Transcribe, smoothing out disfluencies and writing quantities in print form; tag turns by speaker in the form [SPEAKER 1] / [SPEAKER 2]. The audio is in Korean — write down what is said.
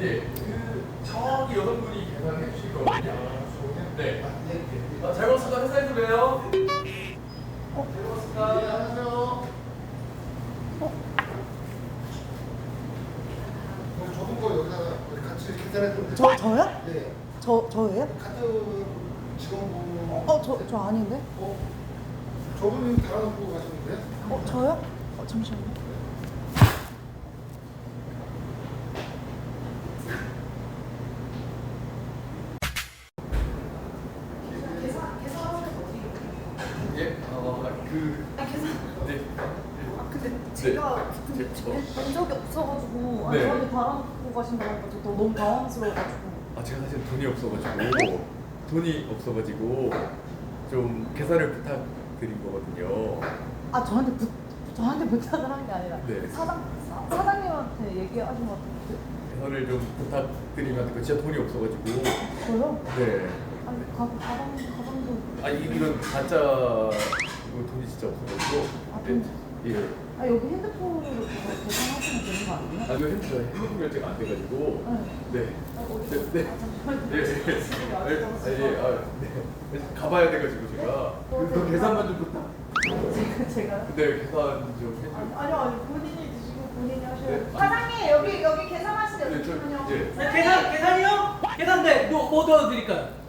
[SPEAKER 1] 예, 저기 여성분이 계산해 주실 거거든요. 네. 잘 먹었습니다. 회사에서 봬요. 잘 먹었습니다. 네, 안녕하세요.
[SPEAKER 2] 저분 거 여기다가 같이 계산해 주면 돼요.
[SPEAKER 3] 저요?
[SPEAKER 2] 네.
[SPEAKER 3] 저예요?
[SPEAKER 2] 카드 직원분.
[SPEAKER 3] 저 아닌데?
[SPEAKER 2] 저분이 달아놓고 가셨는데?
[SPEAKER 3] 저요? 잠시만요.
[SPEAKER 1] 예, 네.
[SPEAKER 3] 근데
[SPEAKER 1] 제가
[SPEAKER 3] 본 적이 없어가지고
[SPEAKER 1] 네.
[SPEAKER 3] 저한테 달아놓고 가신다고 하니까 저 너무 당황스러워가지고.
[SPEAKER 1] 제가 사실 돈이 없어가지고 좀 계산을 부탁드린 거거든요.
[SPEAKER 3] 저한테 부탁을 한 게 아니라
[SPEAKER 1] 네.
[SPEAKER 3] 사장님한테 얘기하신 것 같은데.
[SPEAKER 1] 계산을 좀 부탁드리면 진짜 돈이 없어가지고.
[SPEAKER 3] 저요?
[SPEAKER 1] 네.
[SPEAKER 3] 아니 가방도.
[SPEAKER 1] 이런 가짜 이거 돈이 진짜 없어가지고. 네. 예.
[SPEAKER 3] 여기 핸드폰으로 그거 계산하시면 되는 거 아니에요?
[SPEAKER 1] 이거 핸드폰 결제가 안 돼가지고. 네. 네. 가봐야 돼가지고 제가. 그 계산만 좀 부탁.
[SPEAKER 3] 제가?
[SPEAKER 1] 네, 계산 좀 해줘.
[SPEAKER 3] 아니요, 본인이 드시고 본인이 하셔야 돼요.
[SPEAKER 1] 네.
[SPEAKER 4] 사장님 여기 계산하시죠.
[SPEAKER 1] 네,
[SPEAKER 4] 잠시만요.
[SPEAKER 1] 예.
[SPEAKER 5] 계산이요? 계산대 뭐 넣어드릴까요?